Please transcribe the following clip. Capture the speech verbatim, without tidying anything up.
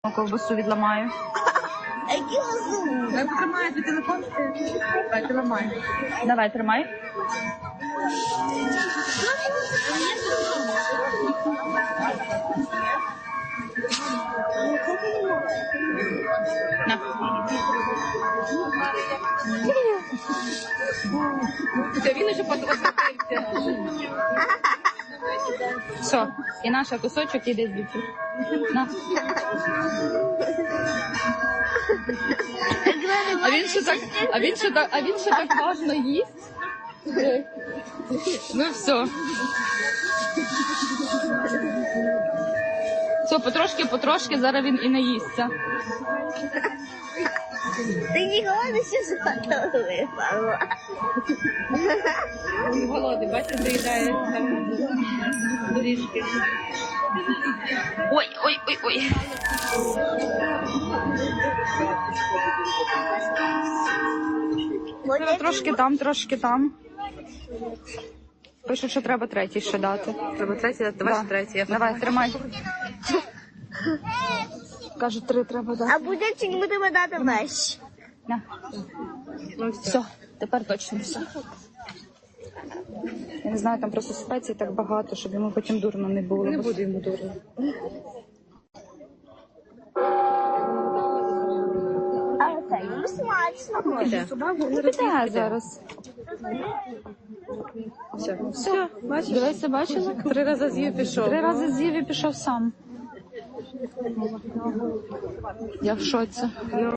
Ковбасу відламаю. Дай потримай твій телефон. Давай, ти ламай. Давай, тримай. На. Це він уже подвозився. Все, і наша кусочок іде звідси. На. А він ще так, а він ще так, а він ще так важно їсть. Ну все. Все, потрошки, потрошки, зараз він і наїсться. Ти ніколи не ще зготовий, Павло. Він голодний, бачиш, доїдає там доріжки. Ой, ой, ой, ой. Зараз трошки там, трошки там. Пишуть, що треба третій ще дати. Треба третій, давай Да. третій. Давай, тримай. Кажуть, три треба дати. А буде чи не будемо дати весь? На. Ну все. Все, тепер точно все. Я не знаю, там просто спецій так багато, щоб йому потім дурно не було. Не буде йому дурно. А це їм смачно. Іде. Піде зараз. Все. Все, бачиш? Дивися, бачила? Три рази з'їв пішов. Три рази з'їв і пішов сам. Я в шоці.